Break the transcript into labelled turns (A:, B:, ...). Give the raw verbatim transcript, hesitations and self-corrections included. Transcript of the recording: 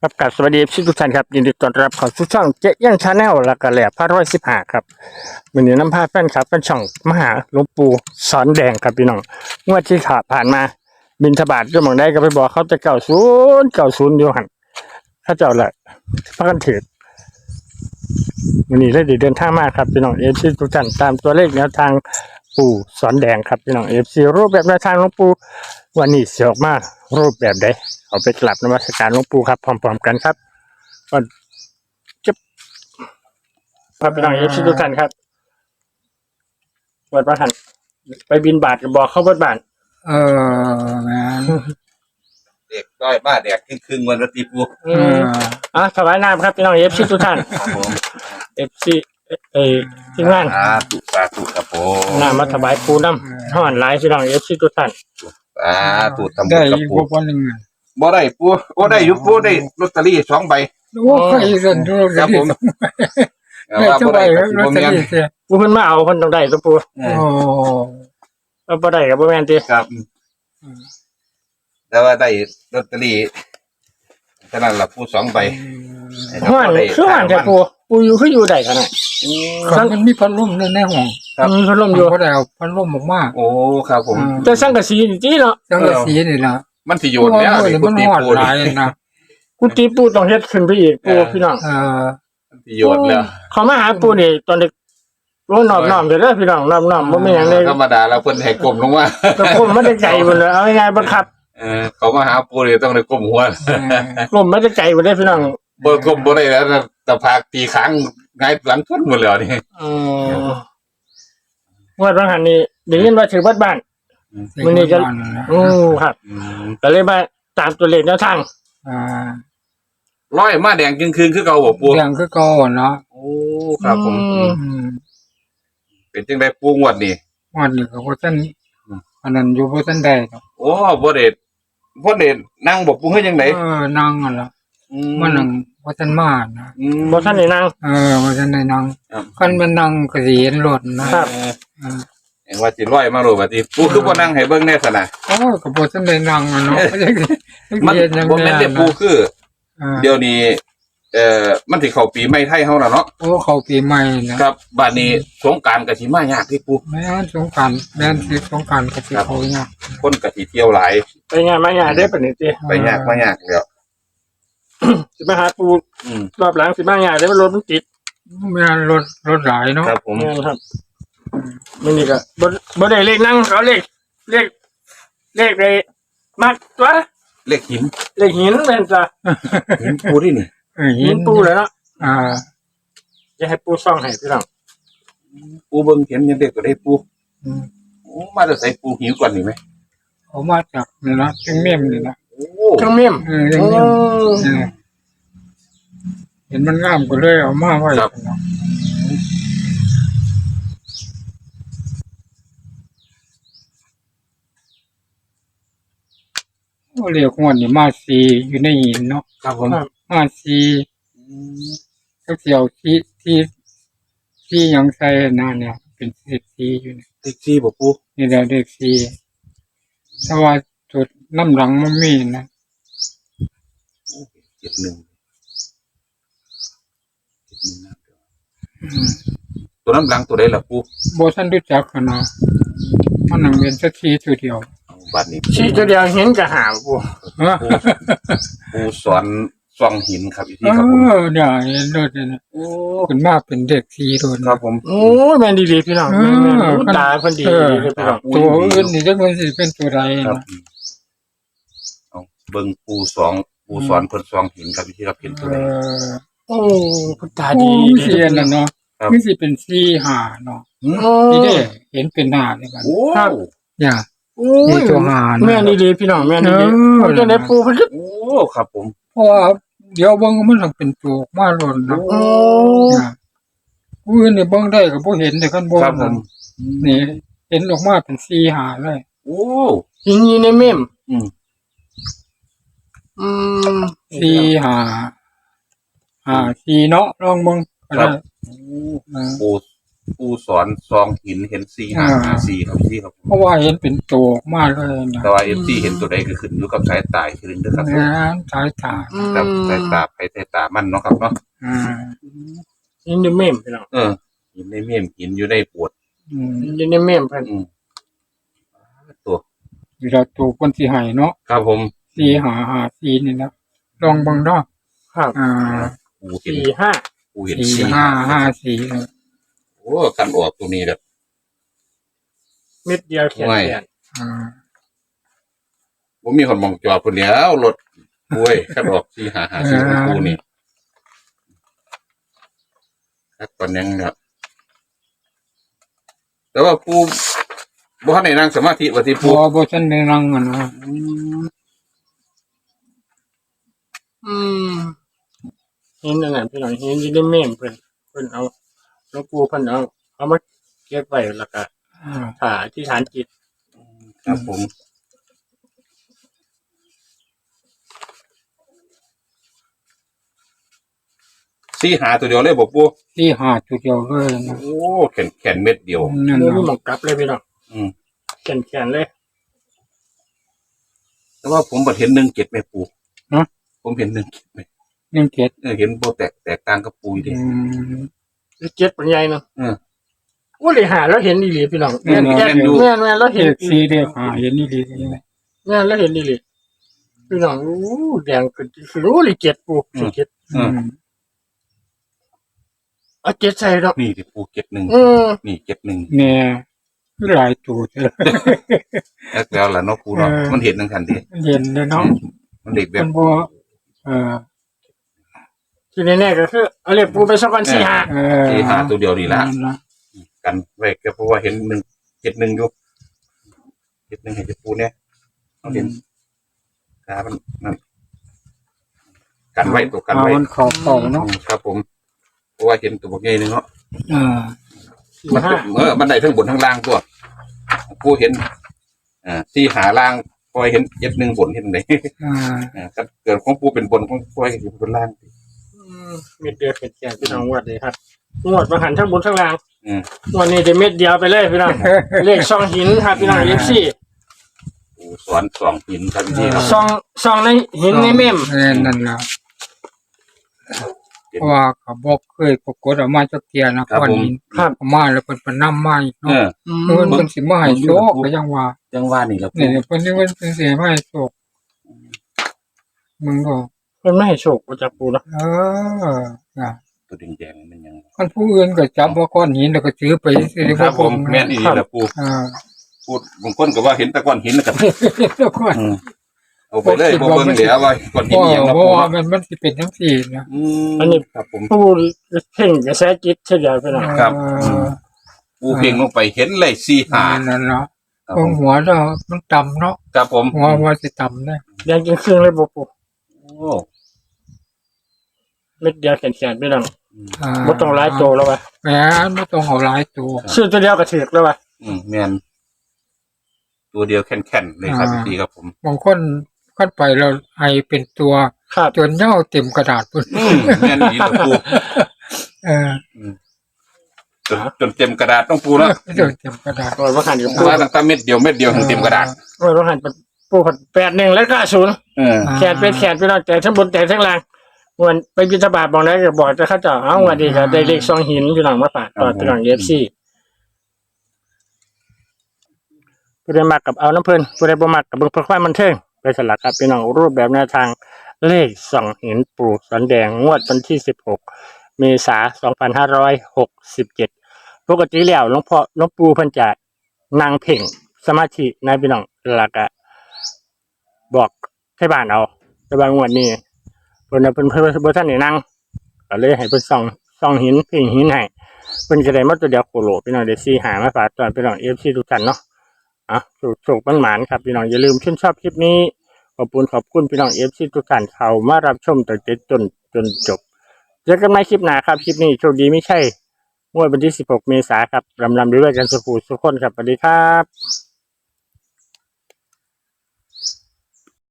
A: ครับกับสวัสดีทุกท่านครับยินดีต้อนรับเข้าสู่ช่องเจ๊ย่างชาแนลและก็แหล่พระร้อยสิบห้าครับวันนี้น้ำพาแฟนครับเป็นช่องมหาหลวงปู่สอนแดงครับพี่น้องงวดที่ขาผ่านมาบินทบาทก็มองได้ก็ไปบอกเขาจะเก่าศูนย์เก่าศูนย์อยู่หันถ้าเจ้าละพระกันเถิดวันนี้เลยเดินทางมาครับพี่น้องเอฟซีทุกท่านตามตัวเลขแนวทางปู่สอนแดงครับพี่น้องเอฟซีรูปแบบแนวทางหลวงปู่วันนี้เสียออกมารูปแบบใดเอาไปกลับนมัสการหลวงปู่ครับพร้อมๆกันครับก่อนจะพาไปน้องเอฟซีทุกท่านครับวัดพระหันไปบินบาทกับบอกเข้าวัดบ้าน
B: เออแม่น
C: เด็กด้อยบ้าแดกครึ่งครึ่งๆวันละตีปู
A: อืมอ่ะถวายน้ำครับพี่น้องเอฟซีทุกท่าน
C: ครับผม
A: เอฟซีเอทีมงาน
C: สาธุสาธุครับผม
A: น้ำมาถวายปูน้ำห่อนหลายพี่น้องเอฟซีทุกท่าน
C: สาธุทำบุ
B: ได้
C: ญกับ
B: อีก
C: ปู
B: พวกนึงอะ
C: บ่ได้ปูโอ้ได้อยู่ปูได้ลอตเตอรี่สองใบ
B: โอ้เคยเห็นดู
C: ครับผม แต่
B: ได้
C: ว่า
B: จัง
C: บ่
B: ได
C: ได้
B: ๋
C: ก็สิ
B: ลอต
C: บ่
B: เตอ
C: แม่น
B: รี่เสีย
A: ปูเพิ่นมาเอาเพิ่นต้องได้ตัวปู
C: เอ
B: โอ้
C: อ
A: เอาบ่ได้กับบ่แม่นติ
C: ครับ แต่ว่าได้ลอตเตอรี่ฉะนั้นล่ะปูสองใบให้เรา
A: ห่อน
C: บ่ได้
A: คือห่อนแต่ปูปูอยู่คืออยู่ได้ขนาด
C: อืม
B: คันมันมีพัดลมในในห้อง
C: ครับ
A: มีพัดลมอยู่
B: เขาได้เอาพัดลมออกมา
C: โอ้ครับผม
A: แต่สังกะสีนี่ติเนาะ
B: จังสีนี่ล่ะ
C: มันสิโยนแล้ว
B: เพราะ
C: นี่
B: ว่า
C: ปู
B: มัน
C: ตี
B: ฮอด
C: ปู
B: หลาย
C: นี่
B: นะ
A: กุฏิปูต้องเฮ็ดขึ้นไปอีกปูพี่น้อง
B: เออ
C: มันสิโยนแล้ว
A: เขามาหาปูนี่ตอนเด็กโอ้นอบน้อมเด้อพี่น้องนอบน้อมบ่มีหยังเลย
C: ธรรมดาแล้วเพิ่นให้กลมลงมา
A: ก็ผมไม่ได้ใจหมดเลยเอาง่ายๆบังคับ
C: เออเขามาหาปูนี่ต้องได้กลมหัว
B: เออ
A: ผมไม่ได้ใจหมดเลยพี่น้อง
C: บ่กลมบ่ได้แล้วนะแต่พากตีค้างไงายหลังพุ่นหมดแล้วนี่
A: อืมว่าบางหันนี่เดี๋ยวนี้ว่าถือวัดบ้าน มื้อนี้ก็ อือครับ
C: อืม
A: ก็เลยมาตามตัวเลขแนวทาง
B: อ่า
C: ร้อยมาแดงจึงคืนคือเก่าบ่ปู
B: เรื่องคือเก่าเนาะ
C: โอ้ครับผม
A: อืม
B: อืม
C: เป็นจังได๋ปูงวดนี่
B: วันนี้ก็บ่ทัน
C: อืม
B: อันนั้นอยู่บ่ทันได้ดอก
C: โอ้บ่ได้บ่ได้นั่งบ่ปูเฮ็ดจังได๋
B: เออนั่งนั่นล่ะมันนั่งบ่ทันมานะ
C: อืม
A: บ่ท่านได้นั่ง
B: เออบ่ทันได้นั่ง
C: ครับ
B: คันมันนั่งก็สิเห็นรถนะครับ
C: เออ
B: เออ
C: เห็นว่าสิร้อยมาโลบัดนี้ปูคือบ่นั่งให้เบิ่งแน่ซะนะ
B: โอ้ก็บ่ทันได้นั่งอะเนาะ
C: มันบ่แม่นแต่ปูคือ
B: อ่า
C: เดี๋ยวนี้เอ่อมันสิเข้าปีใหม่ไทยเฮาแล้วเนาะ
B: โอ้เข้าปีใหม่นะครับ
C: บัดนี้สงกรานต์ก็สิมายากที่ปู
B: แม่นสงกรานต์แม่นสิสงกรานต์ก็สิเข้าเนี่ยาก
C: คนก็สิเที่ยวหลาย
A: ไปงานมางานได้อปะนี่ติ
C: ไปยากมายากแล้ว
A: สิมาหาปู
C: อืม
A: รอบหลังสิมางานได้อมันรถมันติด
B: แม่นรถรถหลายเนาะ
C: ครับผม
A: แม่นครับมื้อนี้ก็บ่บ่ได้เลขนั่งเขาเลขเลขเลขได้มักตัว
C: เลขหิน
A: เลขหินแม่นจ้ะ
C: หินปูที่นี่
B: เออ
A: หินปูเลยเนาะ
B: อ่า
A: จะให้ปูซ่องให้พี่น้อง
C: ปูเบิ่งเห็นยังเด็กก็ได้ปู
B: อืม
C: โอ้มาจะใส่ปูหิวก่อนนี่ไหม
B: เขามาจากนี่นะจังเมี่ยมนี่นะ
C: โอ้
A: เครื่องเมี่ยม
B: เออจัง
A: โอ้
B: เมี่ยมเออเห็นมันงามก็เลยเอามาไว้เนาะโอ้เรียกว่านี่มาสีอยู่ในหินเนาะ
C: ครับผม
B: มาสีก็เกี่ยวที่ที่ที่ยังใส่นาเนี่ย เป็นสิบสีอยู่เนี่ย
C: เลขสี่บ่ปู
B: นี่แหละเด็กสีแต่ว่าจุดน้ำหลังมันมีนะ
C: เจ็ดหนึ่งเจ็ดหนึ่งนะ
B: อืม
C: ตัวน้ำหลังตัวใดล่ะปู
B: โบท่านรู้จักกันเนาะมันนั่งเป็นสักทีตัวเดียว
C: เอาบัดนี้
A: ชี้ตัวเดียวเห็นก็หาปู
B: เออ
C: ปูปูสอนส่องหินครับอีกที
B: เอ
C: ครับผม
B: อเนี่ยเห็นรถเนี่ยนะ
C: โอ้
B: เป็นมากเป็นเด็กทีโดน
C: ครับผม
A: โอ้ยแม่นดีๆพี่น้องแม่นแม่นอู้ตาเพิ่นดี
B: เออ
A: ดีๆพี่น้อง
B: ตัวอื่นนี่จะมันสิเป็นตัวใด
C: ครับ
B: นะ
C: เอาเบิ่งปูสองปูสอนเพิ่นส่องหินครับอีกทีครับเห็นตัว
B: เอ
C: ใด
B: อ
A: โอ้เพิ่นตา
B: โอ้
A: ดี
B: เสียนน่ะเนาะ
C: ครับ
B: นี่สิเป็นสีหาเนาะ
A: โอ้
B: นี่เด้เห็นเป็นหน้าเลยกัน
C: โอ้
B: อย่า
A: โอ้
B: นี่
A: ย
B: ตัวหานะ
A: แม่นดีๆพี่น้องแม่นดี
B: เออ
A: ๆเขาจะได้ปูเพิ่นก็
C: โอ้ครับผม
B: เพราะว่าเดี๋ยวเบิ่งมันต้องเป็นตัวมาหล่นเนาะ
A: โอ้
B: อย่าผู้อื่นนี่เบิ่งได้ก็บ่เห็นแต่กันบ่
C: ครับผม
B: นี่เห็นออกมาเป็นสีหาเลย
C: โอ้
A: หินอยู่ในเมี่ยม
C: อืม
A: อืม
B: สีหาหาสีเนาะลองเบิ่งก็ได้
C: ครับ
B: อ่า
C: ปูปูสอนซองหินเห็นสี่ห้าห้าสี่ครับสี่ครับ
B: เพราะว่าเห็นเป็นตัวมากเลยนะ
C: แต่ว่าเอฟซีเห็นตัวใดก็ขึ้นอยู่กับสายตาขึ้นด้วยครับ
B: นะสายตา
C: กับสายตาไปสายตามันเนาะครับเนาะ
B: อ่า
A: นี่ในเมมพี่น้อง
C: เออหินในเมี่ยมหินอยู่ในปวด
B: อืม
A: นี่ในเมมเพิ่น
C: อืมตัว
B: เวลาตัวคนสีหายเนาะ
C: ครับผม
B: สีหาหาสีนี่นะลองเบังเนาะ
A: ครับ
B: อ่า
C: ปูเห็น
A: สี่ห้า
C: ปูเห็น
B: สี
C: สี่
B: ห้าห้าสีนะ
C: โอ้กันออกตัวนี้แบบ
A: เม็ดเดียวแขน
C: ไม่
A: แขน
B: อ่า
C: ผมมีคนมองจอดคนเดียวรถปุ้ยกันออกสี่หาหาสี่ของปูนี่ครับตอนยังครับแต่ว่าปูบ่ทันได้นั่งสมาธิว่าที่
B: บั
C: ปู
B: วบัวฉันในรังอ่ะนะ
A: อืมเห็นนั่นน่ะพี่น้องเห็นอยู่ในเมมเพิ่นเพิ่นเอาหลวงปู่เพิ่นเอาเอามาเก็บไว้แล้วก็
B: อ่า
A: ถ่าที่ฐานจิต
C: ครับผมสี่หาตัวเดียวเลยบอกปู
B: สีหาจุดเดียวเลยนะ
C: โอ้แขนแขนเม็ดเดียว
B: นั่น
A: บ่มี
B: นะ
A: หมองกลับเลยพี่น้อง
C: อืม
A: แขนแขนเลย
C: แต่ว่าผมบัดเห็นหนึ่งเจ็ดไหมปู
B: ฮะ
C: ผมเห็นหนึ่งเจ็ดไหม
B: หนึ่งเจ็ด
C: เออเห็นโบแตกแตกต่างกับปูอยู่ดิ
B: อืม
A: เจ็ดปัญญาเนาะ
C: เออ
A: ว่าเลยหาแล้วเห็นอีหลีพี่น้อง
B: แม่น
A: แม่น
C: แม่นอยู่
A: แม่นแม่นแล้วเห็
B: เห็
A: น
B: ดสีเดียวหาเห็นนี่ดีใช่ไหม
A: แม่นแล้วเห็นอีหลีพี่น้องโอ้แดงขึ้นคือโอ้เลยเจ็ดปูสี่เจ็ด
C: อืม
A: เอาเจ็ดใส่ดอก
C: นี่ดิปูเจ็ดหนึ่ง
A: อืม
C: นี่เจ็ดหนึ่ง
B: เนี่ยหลายตัวเลย
C: แล้วแล้วล่ะเนาะปูเนาะ
B: เออ
C: มันเห็นทั้งคันดิ
B: เย็นเลยเนาะ
C: มันเด็กแบ
B: มั
C: บ
B: นบัวเออ
A: ที่แน่ๆก็คือเอาเรียกปูไปสักวันสี่ห้า
B: เออ
C: ที่หาตัวเดียวนี่ละ
B: นั่นล่ะ
C: กันไว้ก็เพราะว่าเห็นหนึ่งเจ็ดหนึ่งอยู่เจ็ดหนึ่งเห็นจะปูเนี่ยเขาเห็นกามันนั่นกันไว้ตัวกัน
B: เอา
C: ไว้
B: มันขอบเข่าเนาะ
C: อืมครับผมเพราะว่าเห็นตัวบกใหญ่หนึงเนาะ
B: เออ
A: สี่
C: มัน
A: ห้า
C: เออมันได้ทั้งบนทั้งล่างตัวปูเห็นอ่าที่หาล่างพอเห็นเจ็ดหนึ่งบนเห็นไหน
B: อ่า
C: อ่าก็เกิดของปูเป็นบนของปูเห็นเป็นล่าง
A: อืมเม็ดเดียวเข็ดแขนพี่น้องงวดเลยครับงวดมาหันทั้งบนทั้งล่าง
C: อืม
A: งวดนี้จะเม็ดเดียวไปเลยพี่น้องเลขซองหินครับพี่น้องเอฟซี
C: ปูสอนสองหินครับพี่ครับ
A: ซองซองในหินในเมม
B: เออนั่นล่ะเพราะว่าเขาบอกเคยปรากฏออกมาจักเทียนะก่อนนี้
A: ครับ
B: เอามาแล้วเพิ่นเพิ่นนำมาอีก
C: เอ
B: เนาะ
C: อ
A: อืม
B: เพิ่นเพิ่นสิมาให้โชคก็ยังว่า
C: จังว่านี่แล้วปู
B: เนี่ยเพิ่นนี่เพิ่นเพิ่นสิมาให้โชคมึงก็
A: เพิ่นไม่ให้โชคมาจากปูเนาะ
B: เออน่ะ
C: ตัวแดงๆมันยัง
B: คนผู้อื่นก็จับว่าก้อนหินแล้วก็ถือไปสิ
C: ครับผมแม่นอีแหละปู
B: อ่า
C: พูดบางคนก็ว่าเห็นแตะก้อนหินแล้วกับ
B: แล้วก็
C: อืมเอาไปเลยบ่เบิ่งเหลือว่าก้อนหิน
B: ว่า
C: อหย่างละ
B: ว่า
C: ปู
B: มันมันสิเป็นจังซี่นะ
C: อืมครับผม
A: ปูเพ่งกระแสจิตเฉยๆพี่น้อง
C: ครับ
B: เอ
C: อื
B: อ
C: ม ปูเพ่งลงไปเห็นเลยสี่หา
B: นั่นเนาะ
C: ครับ
B: ต
C: ผ
B: รง
C: ม
B: หัวเรามันต่ำเนาะ
C: ครับผม
B: หัวหัวสิต่ำนะ
A: แดงจริงครึ่งเลยบ่ปู
C: โอ้
A: เม็ดเดียวแขนๆพี่น้อง
B: อ่า
A: บ่ต้องหลายโตแล้วว่ะ
B: แหมไม่ต้องเอาหลายตัว
A: ชื่อตัวเดียวก็ถูกแล้วว่ะ
C: อืมแม่นตัวเดียวแข็งๆเลยครับพี่ครับผม
B: บางคนขึ้นไปเราให้เป็นตัว
A: ครับ
B: จนเหย้าเต็มกระดาษพุ่น
C: อืมแม่นอีหละปู
B: เออ
C: จนจนเต็มกระดาษต้องปูแล้ว
B: จนเต็มกระดาษ
A: โอ้ยว่าหันอยู่ปู
C: ว่าตั้งแต่เม็ดเดียวเม็ดเดียวถึงเต็มกระดาษ
A: โอ้ยว่าหันปูผัดแปดหนึ่งแล้วก็ศูนย์
C: เออ
A: แขนเป็นแขนพี่น้องแต่ทั้งบนแต่ทั้งล่างวันไปบิณฑบาตบอกแล้วก็บอกจะเข้าเจ้าเอาวันดีก็ได้เลขซองหินพี่น้องมาฝากต่อพี่น้องเอฟซีผู้ใดมักกับเอาน้ำเพลินผู้ใดบ่มักกับเบิ่งเพื่อความบันเทิงไปสลักครับพี่น้องรูปแบบแนวทางเลขซองหินปู่สันแดงงวดวันที่สิบหกเมษายนสองพันห้าร้อยหกสิบเจ็ดปกติแล้วหลวงพ่อหลวงปู่เพิ่นจะนั่งเพ่งสมาธิในพี่น้องแล้วก็บอกให้บ้านเอาแต่บางงวดนี้เพิ่นน่ะเพิ่นเพิ่นบ่ทันได้นั่งก็เลยให้เพิ่นส่องส่องหินเพ่งหินให้เพิ่นก็ได้มาตัวเดียวโคโลพี่น้องได้สี่หามาฝากตอนพี่น้อง เอฟ ซี ทุกท่านเนาะอ่ะสุขๆหวานๆครับพี่น้องอย่าลืมชื่นชอบคลิปนี้ขอบคุณขอบคุณพี่น้อง เอฟ ซี ทุกท่านเข้ามารับชมตั้งแต่จนจนจบเจอกันใหม่คลิปหน้าครับคลิปนี้โชคดีไม่ใช่งวดวันที่สิบหกเมษายนครับรำๆด้วยกันสุขุสุขคนครับสวัสดีครับ